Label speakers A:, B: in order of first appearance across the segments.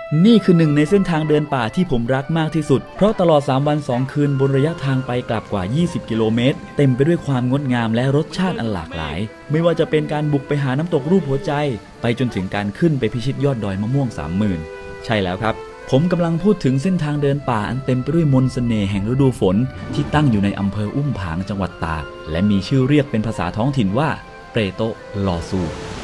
A: นี่คือหนึ่งในเส้นทางเดินป่าที่ผมรักมากที่สุดเพราะตลอด3 วัน 2 คืนบนระยะทางไปกลับกว่า20 กิโลเมตรเต็มไปด้วยความงดงามและรสชาติอันหลากหลายไม่ว่าจะเป็นการบุกไปหาน้ำตกรูปหัวใจไปจนถึงการขึ้นไปพิชิตยอดดอยมะม่วง 30,000 ใช่แล้วครับผมกำลังพูดถึงเส้นทางเดินป่าอันเต็มไปด้วยมนต์เสน่ห์แห่งฤดูฝนที่ตั้งอยู่ในอำเภออุ้มผางจังหวัดตากและมีชื่อเรียกเป็นภาษาท้องถิ่นว่าเปรโตลอซู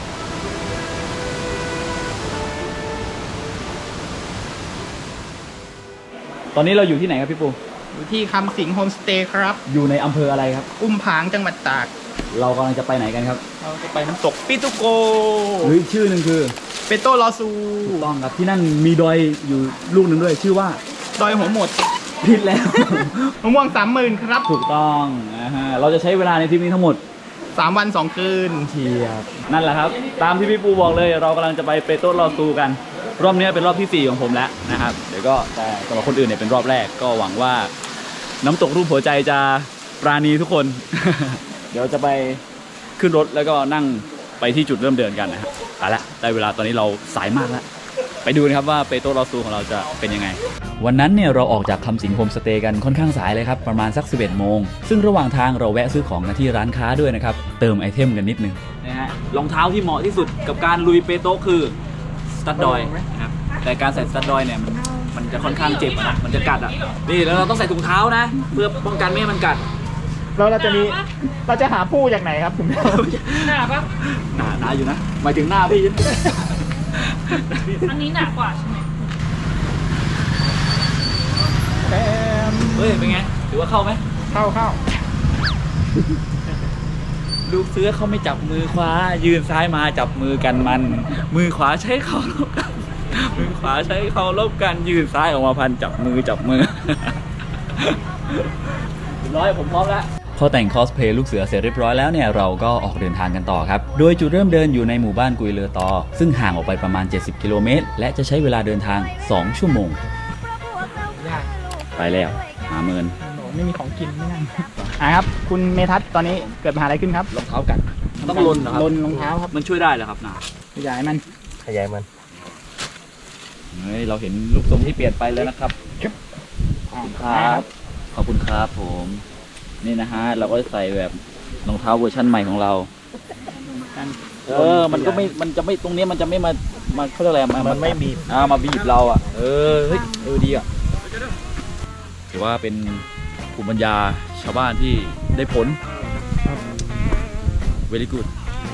A: ตอนนี้เราอยู่ที่ไหนครับพี่ปู
B: อยู่ที่คำสิงห์โฮมสเตย์ครับ
A: อยู่ในอำเภออะไรครับ
B: อุ้มผางจังหวัดตาก
A: เรากำลังจะไปไหนกันครับ
B: เราจะไปน้ำตกปิตุโก
A: หรือชื่อหนึ่งคือ
B: เปโตลอซู
A: ถูกต้องครับที่นั่นมีดอยอยู่ลูกหนึ่งด้วยชื่อว่า
B: ดอยหัวหมด
A: ผิดแล้ว
B: มะม่วง 30,000 ครับ
A: ถูกต้องเราจะใช้เวลาในทริปนี้ทั้งหมด
B: 3 วัน 2 คืน
A: เทียบนั่นแหละครับตามที่พี่ปูบอกเลยเรากำลังจะไปเปโตลอซูกันรอบนี้เป็นรอบที่4ของผมแล้วนะครับเดี๋ยวก็แต่สำหรับคนอื่นเนี่ยเป็นรอบแรกก็หวังว่าน้ำตกรูปหัวใจจะปราณีทุกคน เดี๋ยวจะไปขึ้นรถแล้วก็นั่งไปที่จุดเริ่มเดินกันนะครับเอาละได้เวลาตอนนี้เราสายมากแล้วไปดูนะครับว่าเปโตลอซูของเราจะเป็นยังไงวันนั้นเนี่ยเราออกจากคำสิงห์โฮมสเตย์กันค่อนข้างสายเลยครับประมาณสัก 11 โมงซึ่งระหว่างทางเราแวะซื้อของกันที่ร้านค้าด้วยนะครับเติมไอเทมกันนิดนึงนะฮะรองเท้าที่เหมาะที่สุดกับการลุยเปโตคือสตั๊ดดอยนะครับแต่การใส่สตั๊ดดอยเนี่ยมันจะค่อนข้างเจ็บนะมันจะกัดอ่ะนี่แล้วเราต้องใส่ถุงเท้านะเพื่อป้องกันไม่ให้มันกัด
B: เราจะหาผู้จากไหนครับคุณ
C: หนาปะ
A: หนาอยู่นะหมายถึงหน้าพี่
C: อันนี้หนากว่าใช่ไหม
A: เฮ้ยเป็นไงถือว่าเข้าไหม
B: เข้า
A: ลูกเสือเขาไม่จับมือขวายืนซ้ายมาจับมือกันมันมือขวาใช้เข่าลบกันมือขวาใช้เข่าลบกันยืนซ้ายออกมาพันจับมือเรียบร้อยผมพร้อมแล้วพอแต่งคอสเพลย์ลูกเสือเสร็จเรียบร้อยแล้วเนี่ยเราก็ออกเดินทางกันต่อครับโดยจุดเริ่มเดินอยู่ในหมู่บ้านกุยเลอตอซึ่งห่างออกไปประมาณ70 กิโลเมตรและจะใช้เวลาเดินทาง2 ชั่วโมงไปแล้ว50,000
B: ไม่มีของกินไม่นั่งครับคุณเมทัศน์ตอนนี้เกิดปัญหาอะไรขึ้นครับ
A: รองเท้ากัดต้องลนเหรอครับ
B: ลนรองเท้าครับ
A: มันช่วยได้เหรอครับนะ
B: ขยายมัน
A: เฮ้ยเราเห็นลูกทรงที่เปลี่ยนไปแล้วนะครับขอบคุณครับผมนี่นะฮะเราก็ใส่แบบรองเท้าเวอร์ชั่นใหม่ของเรามันก็ไม่มันจะไม่ตรงนี้มันจะไม่มาเขาเรียกอะไรมันไม่บีบมาบีบเราอ่ะเฮ้ยดีอ่ะถือว่าเป็นภูมิปัญญาชาวบ้านที่ได้ผล very good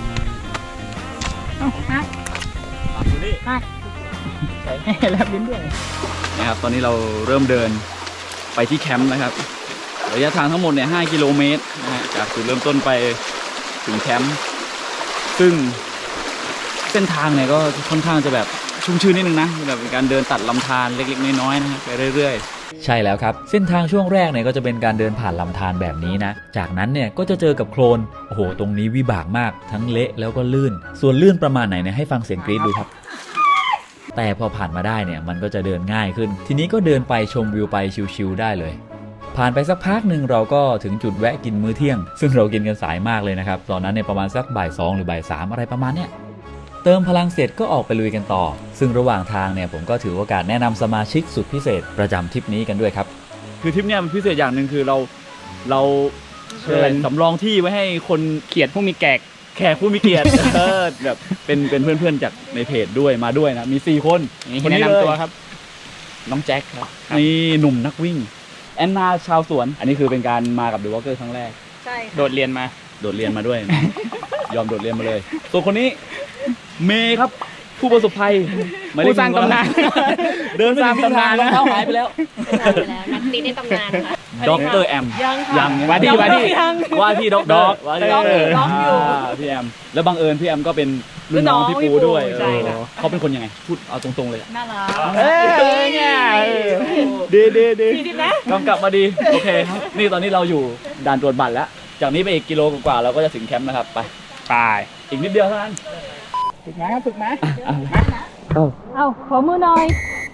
B: อยู่นี่ใส่ให้แลบลิ้นด้วย
A: นะครับตอนนี้เราเริ่มเดินไปที่แคมป์นะครับระยะทางทั้งหมดเนี่ย5 กิโลเมตรนะฮะจากจุดเริ่มต้นไปถึงแคมป์ซึ่งเส้นทางเนี่ยก็ค่อนข้างจะแบบชุ่มชื้นนิดนึงนะแบบเป็นการเดินตัดลำธารเล็กๆน้อยๆนะไปเรื่อยๆใช่แล้วครับเส้นทางช่วงแรกเนี่ยก็จะเป็นการเดินผ่านลำธารแบบนี้นะจากนั้นเนี่ยก็จะเจอกับโคลนโอ้โหตรงนี้วิบากมากทั้งเละแล้วก็ลื่นส่วนลื่นประมาณไหนเนี่ยให้ฟังเสียงกรี๊ดดูครับแต่พอผ่านมาได้เนี่ยมันก็จะเดินง่ายขึ้นทีนี้ก็เดินไปชมวิวไปชิลๆได้เลยผ่านไปสักพักหนึ่งเราก็ถึงจุดแวะกินมื้อเที่ยงซึ่งเรากินกันสายมากเลยนะครับตอนนั้นเนี่ยประมาณสักบ่าย 2หรือบ่าย 3อะไรประมาณเนี้ยเติมพลังเสร็จก็ออกไปลุยกันต่อซึ่งระหว่างทางเนี่ยผมก็ถือโอกาสแนะนำสมาชิกสุดพิเศษประจำทริปนี้กันด้วยครับคือทริปเนี้ยมันพิเศษอย่างหนึ่งคือเราเชิญสำรองที่ไว้ให้คน
B: เกียรติผู้มีแขก
A: ผู้มีเกียรติแบบเป็นเพื่อนๆจากในเพจด้วยมาด้วยนะมี4 คน
B: คนนี้แนะนำตัวครับ
A: น้องแจ็คครับนี่หนุ่มนักวิ่งแอนนาชาวสวนอันนี้คือเป็นการมากับเดอะวอล์กเกอร์ครั้งแรก
C: ใช่
B: โดดเรียนมา
A: ด้วย ยอมโดดเรียนมาเลยส่วนคนนี้เมย์ครับผู้ประสบภัย
B: ผู้สร้างตำนาน
A: เดินสร้างตำนานรองเท้าหายไปแล้ว
C: นักตีในตำนานค่ะ
A: ด็อกเตอร์แอม
C: ยัง
A: ว่าที่ด็อกเตอร์
C: อยู่
A: พี่แอมแล้วบังเอิญพี่แอมก็เป็นรุ่นน้องพี่ปูด้วยเขาเป็นคนยังไงพูดเอาตรงๆเลย
C: น่ารัก
A: เนี่ย
C: ดีนะ
A: กำกับมาดีโอเคครับนี่ตอนนี้เราอยู่ด่านตรวจบัตรแล้วจากนี้ไปอีกกิโลกว่าเราก็จะถึงแคมป์นะครับไปอีกนิดเดียวเท่านั้น
B: ฝึกมา
C: เอาขอมือหน่อย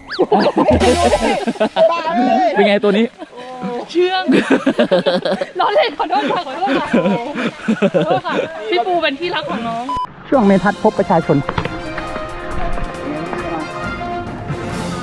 A: เป็นไงตัวนี้
C: เชื่องล้อเล่นขอโทษค่ะพี่ปูเป็นที่รักของน้อง
B: ช่วงเมทัศน์พบประชาชน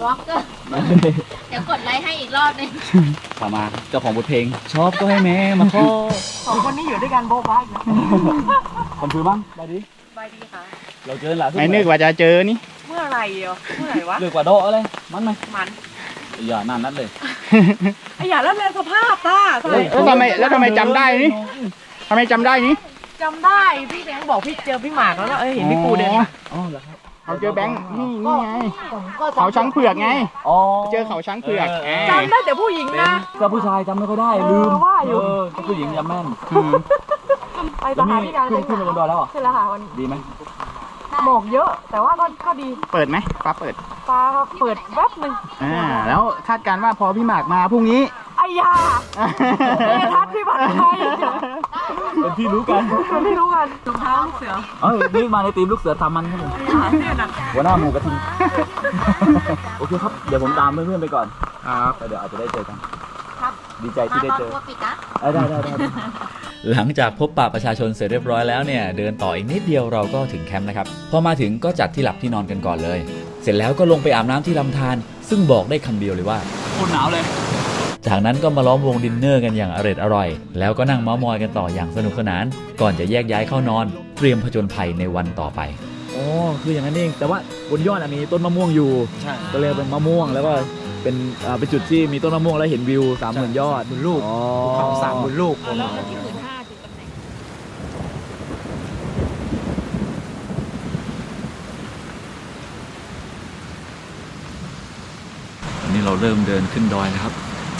C: บล็อกเกอร์เดี๋ยวกดไลค์ให้อีกรอบนึง
A: ต่อมาเจ้าของบทเพลงชอบก็ให้แม่มาขอ
B: สองคนนี้อยู่ด้วยกันโบ๊ะบ้าอีกแล้ว
A: คำพูดบ้างไปดิ
B: สบายดีค่ะ
A: เราเจอหลาย
B: ไม่นึกว่าจะเจอนี่เมื่อไหร่เมื่อไหร่วะ
A: เลือกกว่าโดอะไรมันไหม
B: มัน
A: อย่านั่นนัดเลย
B: ไอ้อย่าแล้วแรงสภาพต้าแล้วทำไมจำได้นี่ทำไมจำได้นี่จำได้พี่แบงค์บอกพี่เจอพี่หมากแล้วนะเห็นพี่ปูเดินมา
A: อ๋อเหรอครับ
B: เขาเจอแบงค์นี่ไงเขาช้างเผือกไง
A: อ๋อ
B: เจอเขาช้างเผือก
C: จำได้แต่ผู้หญิงนะ
A: ก็ผู้ชายจำไม่ค่อยได้ลืม
B: ว่าอยู่
A: ก็ผู้หญิงจำแม่น
B: ไปสถานที่การ
A: ขึ้นไปบนดอยแล้วเหรอ
B: ใช่แล้วค่ะวันนี้
A: ดีไหม
B: หมอกเยอะ แต่ว่าก็ดีเปิดไหมฟ้าเปิดฟ้าเปิดแวบหนึ่งแล้วคาดการณ์ว่าพอพี่หมากมาพรุ่งนี้ไอ้ยาทัดพี่บัตรไทย
A: เป็นที่รู้กัน
B: เป็นที่รู้กันรองเท้าลูกเสือ
A: นี่มาในทีมลูกเสือตามมันครับผมหัวหน้าหมูกระทิงโอเคครับเดี๋ยวผมตามเพื่อนๆไปก่อนครับเดี๋ยวอาจจะได้เจอกันดีใจที่ได้เจอได้หลังจากพบปะประชาชนเสร็จเรียบร้อยแล้วเนี่ยเดินต่ออีกนิดเดียวเราก็ถึงแคมป์นะครับพอมาถึงก็จัดที่หลับที่นอนกันก่อนเลยเสร็จแล้วก็ลงไปอาบน้ำที่ลำธารซึ่งบอกได้คำเดียวเลยว่าโคตรหนาวเลยจากนั้นก็มาล้อมวงดินเนอร์กันอย่างอร่อยแล้วก็นั่งเม้ามอยกันต่ออย่างสนุกสนานก่อนจะแยกย้ายเข้านอนเตรียมผจญภัยในวันต่อไปอ๋อคืออย่างนั้นเองแต่ว่าบนยอดมีต้นมะม่วงอยู่ก็เลยเป็นมะม่วงแล้วก็เป็นจุดที่มีต้นมะม่วงแล้วเห็นวิว 30,000 ยอดบนลูกภูเขา30,000 ลูก
C: แล้วที่15,000จุดตำแหน่ง
A: วันนี้เราเริ่มเดินขึ้นดอยนะครับ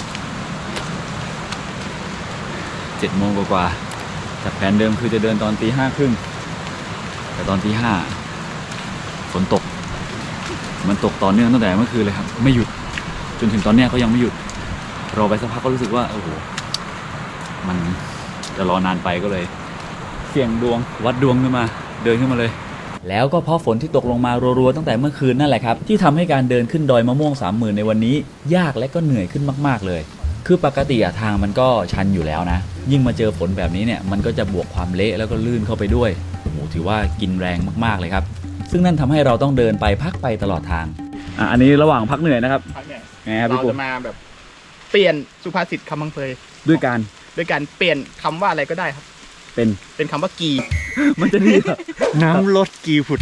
A: 7 โมงกว่าๆจากแผนเดิมคือจะเดินตอนตี 5:30แต่ตอนตี 5ฝนตกมันตกต่อเนื่องตั้งแต่เมื่อคืนเลยครับไม่หยุดจนถึงตอนเนี้ยก็ยังไม่หยุดรอไปสักพักก็รู้สึกว่าโอ้โหมันจะรอนานไปก็เลยเสี่ยงดวงวัดดวงขึ้นมาเดินขึ้นมาเลยแล้วก็เพราะฝนที่ตกลงมารัวๆตั้งแต่เมื่อคืนนั่นแหละครับที่ทำให้การเดินขึ้นดอยมะม่วง 30,000 ในวันนี้ยากและก็เหนื่อยขึ้นมากๆเลยคือปกติทางมันก็ชันอยู่แล้วนะยิ่งมาเจอฝนแบบนี้เนี่ยมันก็จะบวกความเละแล้วก็ลื่นเข้าไปด้วยโอ้โหถือว่ากินแรงมากๆเลยครับซึ่งนั่นทำให้เราต้องเดินไปพักไปตลอดทางอันนี้ระหว่างพักเหนื่อยนะครับไงครับพี่ปุ๊เราจะมาแบบเปลี่ยนสุภาษิตคำบังเพยด้วยการเปลี่ยนคำว่าอะไรก็ได้ครับเป็นคำว่ากีมันจะดีน้ำลดกีผุด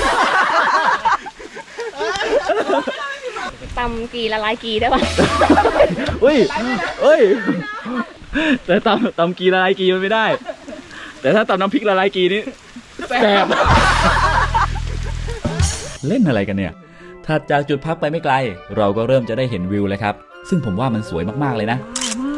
C: ตำกีละลายกีได้ป่ะ
A: เฮ้ยแต่ตำกีละลายกีมันไม่ได้แต่ถ้าตำน้ำพริกละลายกีนี่แซ่บเล่นอะไรกันเนี่ยถัดจากจุดพักไปไม่ไกลเราก็เริ่มจะได้เห็นวิวแล้วครับซึ่งผมว่ามันสวยมากๆเลยนะ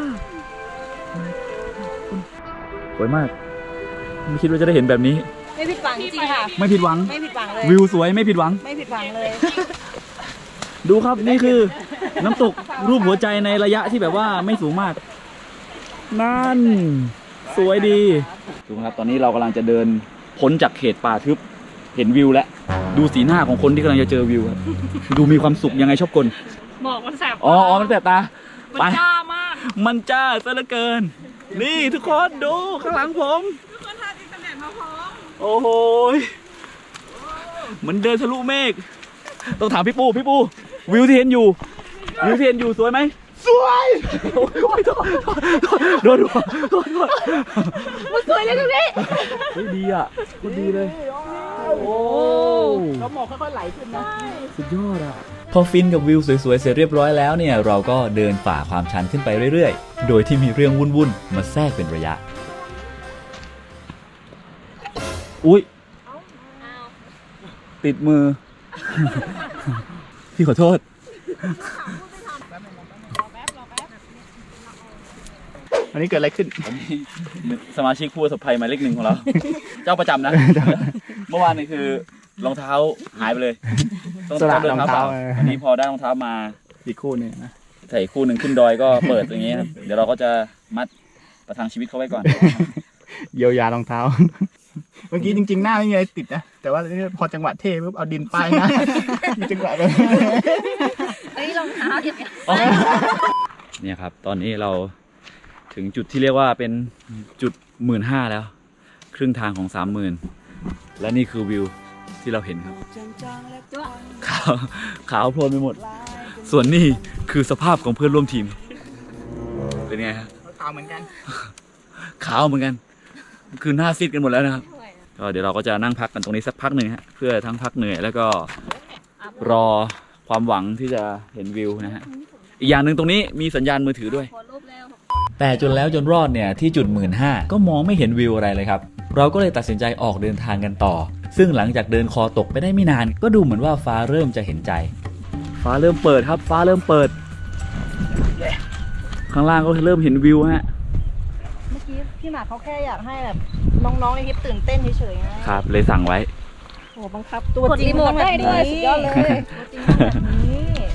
A: สวยมากไม่คิดว่าจะได้เห็นแบบนี้
C: ไม่ผิดหวังจริงค่ะ
A: ไม่ผิดหวัง
C: ไม่ผิดหวังเลย
A: วิวสวยไม่ผิดหวัง
C: ไม่ผิดหวังเลย
A: ดูครับนี่คือน้ำตกรูปหัวใจในระยะที่แบบว่าไม่สูงมากนั่นสวยดีดูครับตอนนี้เรากำลังจะเดินพ้นจากเขตป่าทึบเห็นวิวแล้วดูสีหน้าของคนที่กำลังจะเจอวิวครับดูมีความสุขยังไงชอบกล
C: หมอกมันแสบ
A: อ๋อมันแสบตา
C: มันจ้ามาก
A: มันจ้าซะเหลือเกินนี่ทุกคนดูข้างหลังผม
C: ทุกคนทานอินเทอร์เน็ตมาพร้อม
A: โอ้โหเหมือนเดินทะลุเมฆต้องถามพี่ปูวิวที่เห็นอยู่สวยไหมสวยโดน
C: มันสวยเลยตรงนี้
A: ดีอ่ะดีเลยโอ้
B: แล้วหมอกค่อยๆไหลขึ้นนะ
A: สุดยอดอ่ะพอฟินกับวิวสวยๆเสร็จเรียบร้อยแล้วเนี่ยเราก็เดินฝ่าความชันขึ้นไปเรื่อยๆโดยที่มีเรื่องวุ่นๆมาแทรกเป็นระยะอุ๊ยติดมือพี่ขอโทษ
B: อันนี้เกิดอะไรขึ้น
A: สมาชิกผู้ประสบภัยหมายเลข 1ของเราเจ้าประจำนะเมื่อวานนี่คือรองเท้าหายไปเลยต้องเดินเท้าเปล่าอันนี้พอได้รองเท้ามา
B: อีกคู่นึงนะ
A: ใส่คู่หนึ่งขึ้นดอยก็เปิดอย่างเงี้ยครับเดี๋ยวเราก็จะมัดประทังชีวิตเขาไว้ก่อน
B: เยียวยารองเท้าเมื่อกี้จริงๆหน้าไม่มีอะไรติดนะแต่ว่าพอจังหวะเทปุ๊บเอาดินป้ายนะมีจังหวะเลย
C: อันนี้รองเท้าเก็บ
A: เนี่ยครับตอนนี้เราถึงจุดที่เรียกว่าเป็นจุด 15,000 แล้วครึ่งทางของ 30,000 และนี่คือวิวที่เราเห็นครับขาวโพลนไปหมดส่วนนี่คือสภาพของเพื่อนร่วมทีม เป็นไงฮะ
B: ขาวเหมือนกัน
A: ขาวเหมือนกัน คือหน้าซีดกันหมดแล้วนะครับ ก็เดี๋ยวเราก็จะนั่งพักกันตรงนี้สักพักหนึ่งฮะ เพื่อทั้งพักเหนื่อยแล้วก็รอความหวังที่จะเห็นวิวนะฮะ อีกอย่างหนึ่งตรงนี้มีสัญญาณมือถือด้วย แต่จนแล้วจนรอดเนี่ยที่จุด 15,000 ก็มองไม่เห็นวิวอะไรเลยครับ เราก็เลยตัดสินใจออกเดินทางกันต่อ ซึ่งหลังจากเดินคอตกไปได้ไม่นาน ก็ดูเหมือนว่าฟ้าเริ่มจะเห็นใจ ฟ้าเริ่มเปิดครับ ฟ้าเริ่มเปิด ข้างล่างก็เริ่มเห็นวิวฮะ
D: เมื่อกี้พี่หมากเขาแค่อยากให้แบบน้องๆในคลิปตื่นเต้นเฉยๆนะครับ
A: เลยสั่งไว้
D: โอ้บังคับตัวจริงต้องแบบนี้สุดยอดเลยตัวจริงต้องแบบนี้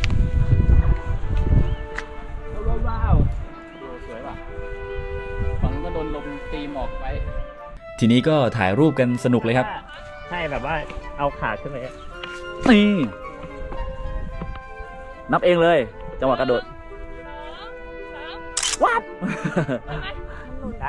A: ว้าวสวยป่ะฝั่งก็โดนลมตีหมอกไป ทีนี้ก็ถ่ายรูปกันสนุกเลยครับ
E: ใช่แบบว่าเอาขาขึ้นไป
A: นี่ นับเองเลย จังหวะกระโดด วับ
E: ได้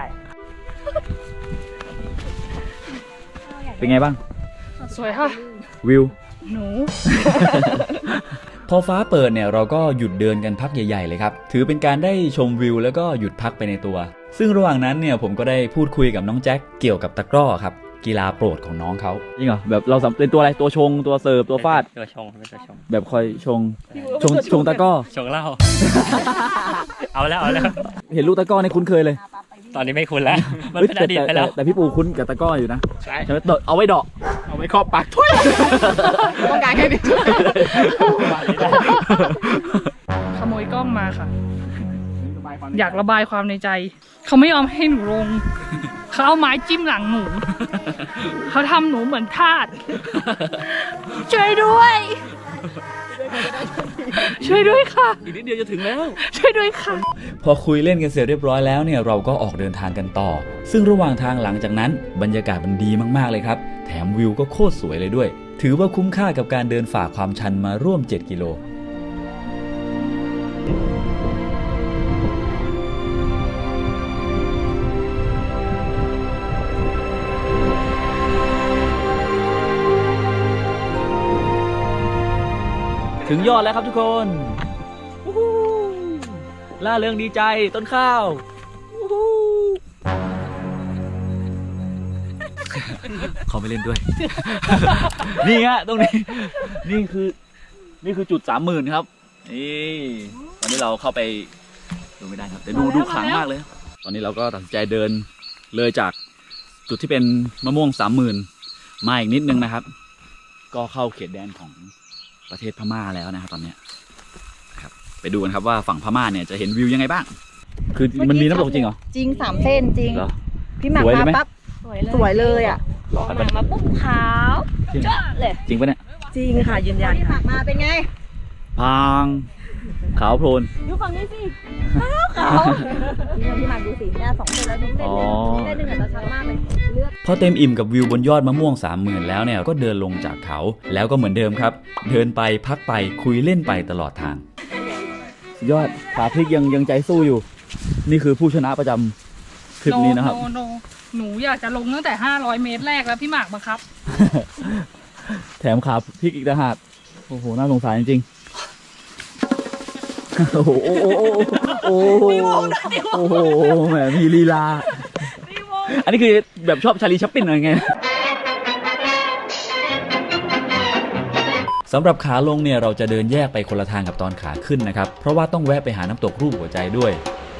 A: เป็นไงบ้าง
C: สวยค่ะ
A: วิว
C: หนู
A: พอฟ้าเปิดเนี่ยเราก็หยุดเดินกันพักใหญ่ๆเลยครับ ถือเป็นการได้ชมวิวแล้วก็หยุดพักไปในตัว ซึ่งระหว่างนั้นเนี่ยผมก็ได้พูดคุยกับน้องแจ็คเกี่ยวกับตะกร้อครับ กีฬาโปรดของน้องเขาจริงเหรอแบบเราเป็นตัวอะไรตัวชงตัวเสิร์ฟตัวฟาด
E: ตัวชงเป็นตัวชง
A: แบบคอยชงตะกร้อ
E: ชงเหล้า เอาแล้ว
A: เห็นลูกตะกร้อในคุ้นเคยเลย
E: ตอนนี้ไม่คุ้นแล้ว มัน
A: เฮ้ย
E: เป็นอดีตไปแล้ว
A: แต่พี่ปูคุ้นกับตะกร้ออยู่นะ
E: ใช่
A: ใช่ไหมเอาไว้เดาะ
B: เอาไว้ครอบปากทุยต้องการแค่นี้
C: ขโมยกล้องมาค่ะ อยากระบายความในใจ เขาไม่ยอมให้หนูลง เขาเอาไม้จิ้มหลังหนู เขาทำหนูเหมือนทาส ช่วยด้วย ช่วยด้วยค่ะ
A: อีกนิดเดียวจะถึงแล้ว
C: ช่วยด้วยค่ะ
A: พอคุยเล่นกันเสร็จเรียบร้อยแล้วเนี่ยเราก็ออกเดินทางกันต่อ ซึ่งระหว่างทางหลังจากนั้นบรรยากาศมันดีมากๆเลยครับ แถมวิวก็โคตรสวยเลยด้วย ถือว่าคุ้มค่ากับการเดินฝ่าความชันมาร่วม 7 กิโล ถึงยอดแล้วครับทุกคนวู้ฮู้ล่าเริงดีใจต้นข้าววู้ฮู้เขาไม่เล่นด้วย นี่ฮะตรงนี้ นี่คือจุด 30,000 ครับ นี่ตอนนี้เราเข้าไปดูไม่ได้ครับแต่ดูขลังมากเลย ตอนนี้เราก็ตัดสินใจเดินเลยจากจุดที่เป็นมะม่วง 30,000 มาอีกนิดนึงนะครับ ก็เข้าเขตแดนของประเทศพม่าแล้วนะครับตอนนี้ครับไปดูกันครับว่าฝั่งพม่าเนี่ยจะเห็นวิวยังไงบ้าง คือมันมีน้ำตกจริงเหรอ
D: จริง3 เส้นจริง
A: เหรอ
D: พี่หมาก
A: สวยเลย
D: มา
A: ไหม
D: ปั๊บสวยเลยอ่ะ
C: หนังมาปุ๊บขาวจ้าเลย
A: จริงปะเนี่ย
D: จริงค่ะยืนยันพี่หมากมาเป็นไง
A: พางขาวโพลน
D: ดูฝั่งนี้สิขาวนี่พี่หมากดูสิหน้า2 เส้นแล้วดูเส้น
A: อ๋อ
D: เส้นหนึ่งอาจจะชัดมากเลยเลือก
A: พอเต็มอิ่มกับวิวบนยอดมะม่วง 30,000 แล้วเนี่ยก็เดินลงจากเขาแล้วก็เหมือนเดิมครับ เดินไปพักไปคุยเล่นไปตลอดทางยอดขาพลิกยังใจสู้อยู่ นี่คือผู้ชนะประจำทริปนี้นะครับ
C: โนหนูอยากจะลงตั้งแต่ 500 เมตรแรกแล้วพี่หมากบังคับ
A: แถมขาพลิกอีกต่างหากโอ้โหน่าสงสารจริงๆโอ้โหโอ้โหโอ้โหโอ้โหแหมมีลีลาอันนี้คือแบบชอบชาลีชัปปินอะไรไงสำหรับขาลงเนี่ยเราจะเดินแยกไปคนละทางกับตอนขาขึ้นนะครับเพราะว่าต้องแวะไปหาน้ำตกรูปหัวใจด้วย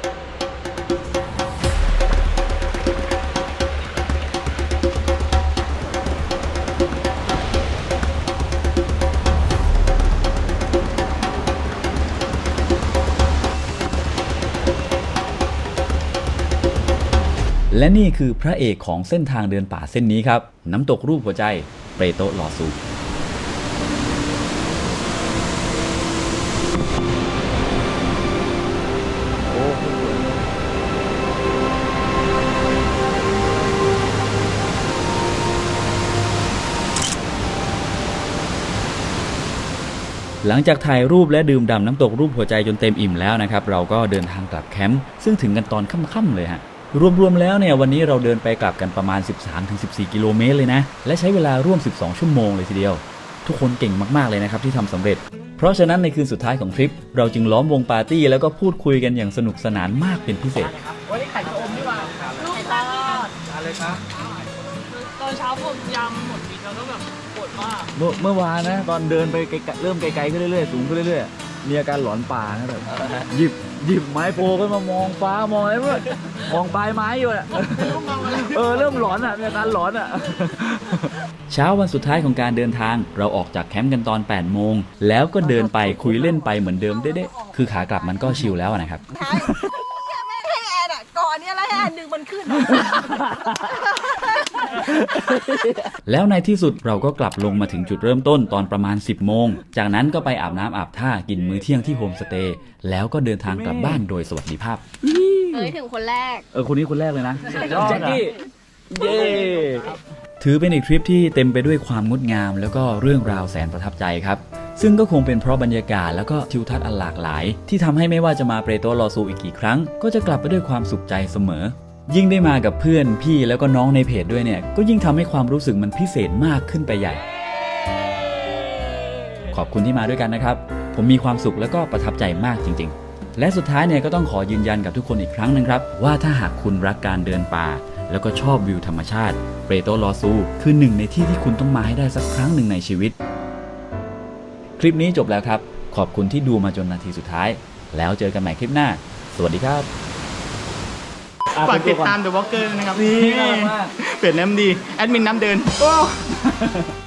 A: และนี่คือพระเอกของเส้นทางเดินป่าเส้นนี้ครับน้ำตกรูปหัวใจเปโตะลอซู หลังจากถ่ายรูปและดื่มด่ำน้ำตกรูปหัวใจจนเต็มอิ่มแล้วนะครับเราก็เดินทางกลับแคมป์ซึ่งถึงกันตอนค่ำๆเลยฮะรวมๆแล้วเนี่ยวันนี้เราเดินไปกลับกันประมาณ 13-14 กิโลเมตรเลยนะและใช้เวลาร่วม12 ชั่วโมงเลยทีเดียวทุกคนเก่งมากๆเลยนะครับที่ทำสำเร็จเพราะฉะนั้นในคืนสุดท้ายของทริปเราจึงล้อมวงปาร์ตี้แล้วก็พูดคุยกันอย่างสนุกสนานมากเป็นพิเศษ
B: วันนี้ไข่ชะอมนี่ว่าลูกตาอะไรครับ
C: ตอนเช้าผมยำหมดแล้วก็แบบปวดมาก
A: เมื่อวานนะตอนเดินไปไกลๆเริ่มไกลๆขึ้นเรื่อยๆสูงขึ้นเรื่อยๆมีอาการหลอนป่านะแบบหยิบไม้โพขึ้นมามองฟ้ามองอะไรเพื่อนมองปลายไม้อยู่อ่ะเริ่มหลอนอ่ะมีอาการหลอนอ่ะเช้าวันสุดท้ายของการเดินทางเราออกจากแคมป์กันตอน8 โมงแล้วก็เดินไปคุยเล่นไปเหมือนเดิมเด๊ะๆคือขากลับมันก็ชิลแล้วนะครับ
D: ไม่ให้แอนอ่ะก่อนเนี่ยแล้วให้แอนดึงมันขึ้น
A: แล้วในที่สุดเราก็กลับลงมาถึงจุดเริ่มต้นตอนประมาณ 10 โมงจากนั้นก็ไปอาบน้ำอาบท่ากินมื้อเที่ยงที่โฮมสเตย์แล้วก็เดินทางกลับบ้านโดยสวัสดิภาพ
D: ถึงคนแรก
A: คนนี้คนแรกเลยนะแจ็คกี้เย้ถือเป็นอีกทริปที่เต็มไปด้วยความงดงามแล้วก็เรื่องราวแสนประทับใจครับซึ่งก็คงเป็นเพราะบรรยากาศแล้วก็ทิวทัศน์อันหลากหลายที่ทำให้ไม่ว่าจะมาเปโตรลอซูอีกกี่ครั้งก็จะกลับไปด้วยความสุขใจเสมอยิ่งได้มากับเพื่อนพี่แล้วก็น้องในเพจด้วยเนี่ยก็ยิ่งทำให้ความรู้สึกมันพิเศษมากขึ้นไปใหญ่ขอบคุณที่มาด้วยกันนะครับผมมีความสุขแล้วก็ประทับใจมากจริงๆและสุดท้ายเนี่ยก็ต้องขอยืนยันกับทุกคนอีกครั้งนึงครับว่าถ้าหากคุณรักการเดินป่าแล้วก็ชอบวิวธรรมชาติเปโตรลอซูคือหนึ่งในที่ที่คุณต้องมาให้ได้สักครั้งหนึ่งในชีวิตคลิปนี้จบแล้วครับขอบคุณที่ดูมาจนนาทีสุดท้ายแล้วเจอกันใหม่คลิปหน้าสวัสดีครับ
B: ฝากติดตาม The Walker ด้วยนะครับนี่เปลี่ยนน้ำดีแอดมินน้ำเดิน